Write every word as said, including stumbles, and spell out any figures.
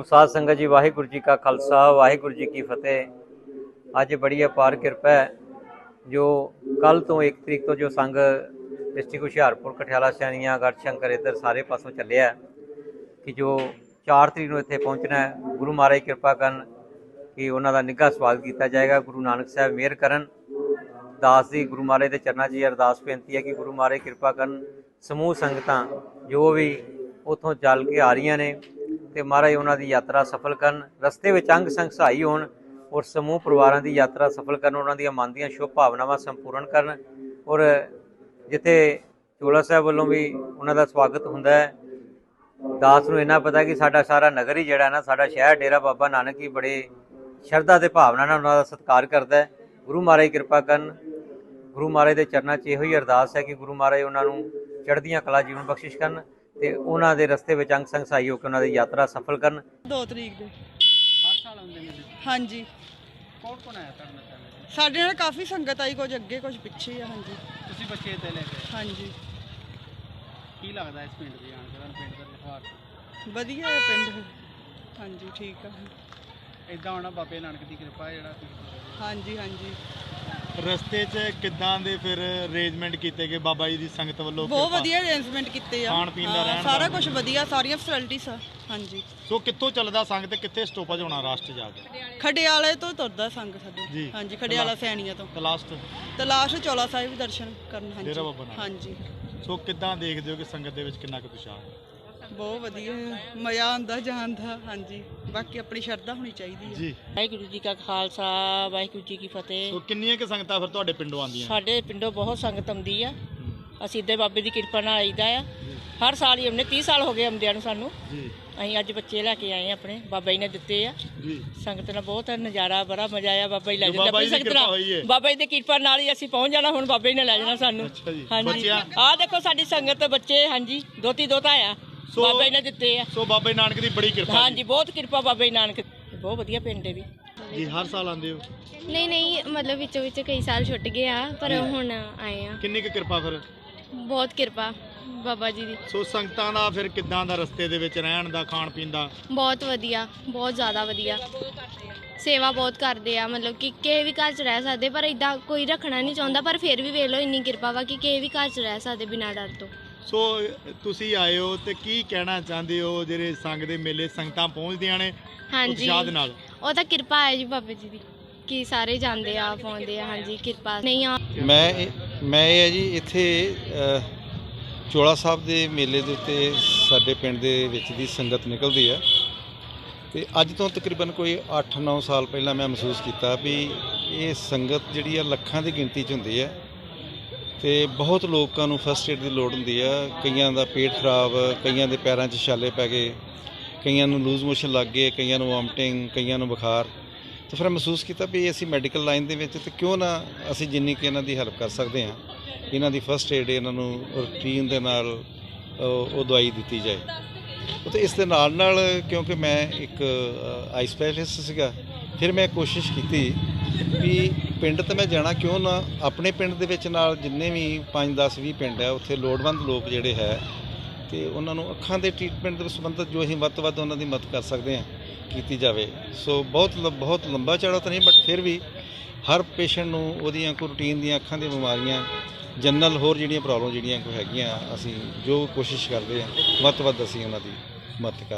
साध संगत जी वाहिगुरू जी का खालसा वाहिगुरू जी की फतेह। अज बड़ी अपार किरपा है जो कल तो एक तरीक तो जो संघ डिस्ट्रिक्ट हुशियारपुर कठियाला सैनियां गढ़शंकर इधर सारे पासों चलिया कि जो चार तरीक इत्थे पहुँचना है। गुरु महाराज कृपा करन कि उन्हों का निघा स्वागत किया जाएगा। गुरु नानक साहब मेहर करन। दास जी गुरु महाराज के चरणों च अरदास बेनती है कि गुरु महाराज कृपा करन समूह संगतां जो भी उतों चल के आ रही ने तो महाराज उन्होंने यात्रा सफल करन, रस्ते में अंग संग सहाई होण और समूह परिवारों की यात्रा सफल करन, उन्होंने मन दी शुभ भावनावां संपूर्ण करन। और जिथे चोला साहब वालों भी उन्होंने स्वागत हुंदा है। दास नूं इन्ना पता कि साडा सारा नगर ही जिहड़ा ना साडा शहर डेरा बाबा नानक ही बड़े शरधा ते भावना नाल उन्हां दा सत्कार करदा है। गुरु महाराज कृपा करन। गुरु महाराज के चरणों च इहो ही अरदास है कि गुरु महाराज उन्होंने चढ़दियां कला जीवन बख्शिश करन ते उन्हां दे रस्ते विच अंग संग सहाई होकर उन्हां दी यात्रा सफल करन। दो तरीक दे हर साल आउंदे ने? हाँ जी। कौन कौन आया तुहाडे नाल? साडे नाल काफ़ी संगत आई, कुछ अगे कुछ पिछे है। हाँ जी तुसीं बच्चे ते ले के हाँ जी। की लगदा इस पिंड दी आण के तुहानूं पिंड दा व्यवहार वधिया है पिंड। हाँ जी ठीक है। इदां होना बाबे नानक दी कृपा है जिहड़ा तुसीं हाँ जी हाँ जी। रस्ते च किदां दे फिर अरेंजमेंट कीते गए बाबा जी दी संगत वालों? बहुत वधिया अरेंजमेंट किते आ। खाण पीण दा हाँ, रहण सारा दा? कुछ वधिया, सारियां फैसिलिटीज आ। हाँ जी। सो कित्थों चलदा संग ते कित्थे स्टॉपेज होना रास्ट जाके? खडियाले तो तुरदा संग जी। साडे। हाँ जी खडियाला सैनिया तो ते लास्ट ते लास्ट चौला साहिब दर्शन करन। हाँ डेरा जी बाबा नानक। हाँ जी सो किदां देखदे हो कि संगत दे विच किन्ना कुछ उत्साह? बहुत वधिया मज़ा आंदा जान दा। हाँ जी बाकी अपनी शरधा होनी चाहिए। जी वाहिगुरू जी का खालसा वाहिगुरू जी की फतेह। सो किन्नियां कि संगतां फिर तुहाडे पिंडों आंदियां? ਸਾਡੇ ਪਿੰਡੋਂ ਬਹੁਤ ਸੰਗਤ ਆਉਂਦੀ ਆ। ਅਸੀਂ ਇੱਦੇ ਬਾਬੇ ਦੀ ਕਿਰਪਾ ਨਾਲ ਆਈਦਾ ਆ। ਹਰ ਸਾਲ ਹੀ ਆਉਂਦੇ, तीस ਸਾਲ ਹੋ ਗਏ ਆਉਂਦਿਆਂ ਨੂੰ ਸਾਨੂੰ। ਜੀ ਅਸੀਂ ਅੱਜ ਬੱਚੇ ਲੈ ਕੇ ਆਏ ਆਪਣੇ, ਬਾਬਾ ਜੀ ਨੇ ਦਿੱਤੇ ਆ। ਜੀ ਸੰਗਤ ਨਾਲ ਬਹੁਤ ਨਜ਼ਾਰਾ, ਬੜਾ ਮਜ਼ਾ ਆਇਆ। ਬਾਬਾ ਜੀ ਲੈ ਜੋ ਜਾਂਦਾ ਬਾਬਾ ਜੀ ਦੀ ਸੰਗਤ ਕਿਰਪਾ ਨਾਲ। ਹੋਈ ਹੈ। ਬਾਬਾ ਜੀ ਦੀ ਕਿਰਪਾ ਨਾਲ ਹੀ ਅਸੀਂ ਪਹੁੰਚ ਜਾਣਾ। ਹੁਣ ਬਾਬਾ ਜੀ ਨੇ ਲੈ ਜਾਣਾ ਸਾਨੂੰ। ਅੱਛਾ ਜੀ। ਹਾਂਜੀ ਬੱਚਿਆਂ? ਆਹ ਦੇਖੋ ਸਾਡੀ ਸੰਗਤ ਬੱਚੇ। ਹਾਂਜੀ ਦੋਤੀ ਦੋਤਾ ਆ, ਸੋ ਬਾਬਾ ਜੀ ਨੇ ਦਿੱਤੇ ਆ। ਸੋ ਬਾਬਾ ਜੀ ਨਾਨਕ ਦੀ ਬੜੀ ਕਿਰਪਾ ਹਾਂਜੀ ਬਹੁਤ ਕਿਰਪਾ ਬਾਬਾ ਜੀ ਨਾਨਕ। ਬਹੁਤ ਵਧੀਆ ਪਿੰਡ ਹੈ ਵੀ। ਜੀ ਹਰ ਸਾਲ ਆਉਂਦੇ ਹੋ? ਨਹੀਂ ਨਹੀਂ ਮਤਲਬ ਵਿੱਚੋਂ ਵਿੱਚ ਕਈ ਸਾਲ ਛੁੱਟ ਗਏ ਆ ਪਰ ਹੁਣ ਆਏ ਆ। ਕਿੰਨੀ ਕੁ ਕਿਰਪਾ ਫਿਰ? ਬਹੁਤ ਕਿਰਪਾ ਬਾਬਾ ਜੀ ਦੀ। ਸੋ ਸੰਗਤਾਂ ਦਾ ਫਿਰ ਕਿੱਦਾਂ ਦਾ ਰਸਤੇ ਦੇ ਵਿੱਚ ਰਹਿਣ ਦਾ, ਖਾਣ ਪੀਣ ਦਾ? ਬਹੁਤ ਵਧੀਆ, ਬਹੁਤ ਜ਼ਿਆਦਾ ਵਧੀਆ। ਸੇਵਾ ਬਹੁਤ ਕਰਦੇ ਆ, ਮਤਲਬ ਕਿ ਕਿਸੇ ਵੀ ਘਰ 'ਚ ਰਹਿ ਸਕਦੇ ਪਰ ਇਦਾਂ ਕੋਈ ਰੱਖਣਾ ਨਹੀਂ ਚਾਹੁੰਦਾ, ਪਰ ਫਿਰ ਵੀ ਵੇਖ ਲਓ ਇੰਨੀ ਕਿਰਪਾ ਵਾ ਕਿ ਕਿਸੇ ਵੀ ਘਰ 'ਚ ਰਹਿ ਸਕਦੇ ਬਿਨਾਂ ਡਰ ਤੋਂ। ਸੋ ਤੁਸੀਂ ਆਏ ਹੋ ਤੇ ਕੀ ਕਹਿਣਾ ਚਾਹੁੰਦੇ ਹੋ ਜਿਹੜੇ ਸੰਗ ਦੇ ਮੇਲੇ ਸੰਗਤਾਂ ਪਹੁੰਚਦੀਆਂ ਨੇ ਹਾਂਜੀ ਉਤਸ਼ਾਹ ਦੇ ਨਾਲ? ਉਹ ਤਾਂ ਕਿਰਪਾ ਹੈ ਜੀ ਬਾਬਾ ਜੀ ਦੀ ਕਿ ਸਾਰੇ ਜਾਂਦੇ ਆ ਪਾਉਂਦੇ ਆ। ਹਾਂਜੀ ਕਿਰਪਾ ਨਹੀਂ ਆ। ਮੈਂ ਇਹ- ਮੈਂ ਇਹ ਹੈ ਜੀ ਇੱਥੇ ਅ, ਚੋਲਾ ਸਾਹਿਬ ਦੇ ਮੇਲੇ ਦੇ ਉੱਤੇ ਸਾਡੇ ਪਿੰਡ ਦੇ ਵਿੱਚ ਦੀ ਸੰਗਤ ਨਿਕਲਦੀ ਹੈ ਤੇ ਅੱਜ ਤੋਂ ਤਕਰੀਬਨ ਕੋਈ ਅੱਠ ਨੌ ਸਾਲ ਪਹਿਲਾਂ ਮੈਂ ਮਹਿਸੂਸ ਕੀਤਾ ਵੀ ਇਹ ਸੰਗਤ ਜਿਹੜੀ ਆ ਲੱਖਾਂ ਦੀ ਗਿਣਤੀ 'ਚ ਹੁੰਦੀ ਹੈ ਤੇ ਬਹੁਤ ਲੋਕਾਂ ਨੂੰ ਫਸਟ ਏਡ ਦੀ ਲੋੜ ਹੁੰਦੀ ਆ। ਕਈਆਂ ਦਾ ਪੇਟ ਖਰਾਬ, ਕਈਆਂ ਦੇ ਪੈਰਾਂ 'ਚ ਛਾਲੇ ਪੈ ਗਏ, ਕਈਆਂ ਨੂੰ ਲੂਜ਼ ਮੋਸ਼ਨ ਲੱਗ ਗਏ, ਕਈਆਂ ਨੂੰ ਵੋਮਟਿੰਗ, ਕਈਆਂ ਨੂੰ ਬੁਖਾਰ। ਤੇ ਫਿਰ ਮਹਿਸੂਸ ਕੀਤਾ ਵੀ ਅਸੀਂ ਮੈਡੀਕਲ ਲਾਈਨ ਦੇ ਵਿੱਚ ਤੇ ਕਿਉਂ ਨਾ ਅਸੀਂ ਜਿੰਨੀ ਕਿ ਇਹਨਾਂ ਦੀ ਹੈਲਪ ਕਰ ਸਕਦੇ ਹਾਂ, ਇਹਨਾਂ ਦੀ ਫਸਟ ਏਡ ਇਹਨਾਂ ਨੂੰ ਰੂਟੀਨ ਦੇ ਨਾਲ ਉਹ ਉਹ ਦਵਾਈ ਦਿੱਤੀ ਜਾਏ। ਅਤੇ ਇਸ ਦੇ ਨਾਲ ਨਾਲ ਕਿਉਂਕਿ ਮੈਂ ਇੱਕ ਆਈ ਸਪੈਸ਼ਲਿਸਟ ਸੀਗਾ, ਫਿਰ ਮੈਂ ਕੋਸ਼ਿਸ਼ ਕੀਤੀ ਵੀ ਪਿੰਡ ਤਾਂ ਮੈਂ ਜਾਣਾ ਕਿਉਂ ਨਾ, ਆਪਣੇ ਪਿੰਡ ਦੇ ਵਿੱਚ ਨਾਲ ਜਿੰਨੇ ਵੀ ਪੰਜ ਦਸ ਵੀਹ ਪਿੰਡ ਹੈ ਉੱਥੇ ਲੋੜਵੰਦ ਲੋਕ ਜਿਹੜੇ ਹੈ ਅਤੇ ਉਹਨਾਂ ਨੂੰ ਅੱਖਾਂ ਦੇ ਟਰੀਟਮੈਂਟ ਦੇ ਸੰਬੰਧਿਤ ਜੋ ਅਸੀਂ ਵੱਧ ਤੋਂ ਵੱਧ ਉਹਨਾਂ ਦੀ ਮਦਦ ਕਰ ਸਕਦੇ ਹਾਂ ਕੀਤੀ ਜਾਵੇ। ਸੋ ਬਹੁਤ ਲ ਬਹੁਤ ਲੰਬਾ ਚੌੜਾ ਤਾਂ ਨਹੀਂ, ਬਟ ਫਿਰ ਵੀ ਹਰ ਪੇਸ਼ੈਂਟ ਨੂੰ ਉਹਦੀਆਂ ਕੋਈ ਰੂਟੀਨ ਦੀਆਂ ਅੱਖਾਂ ਦੀਆਂ ਬਿਮਾਰੀਆਂ, ਜਨਰਲ ਹੋਰ ਜਿਹੜੀਆਂ ਪ੍ਰੋਬਲਮ ਜਿਹੜੀਆਂ ਕੋਈ ਹੈਗੀਆਂ, ਅਸੀਂ ਜੋ ਕੋਸ਼ਿਸ਼ ਕਰਦੇ ਹਾਂ ਵੱਧ ਤੋਂ ਵੱਧ ਅਸੀਂ ਉਹਨਾਂ ਦੀ ਮਦਦ ਕਰ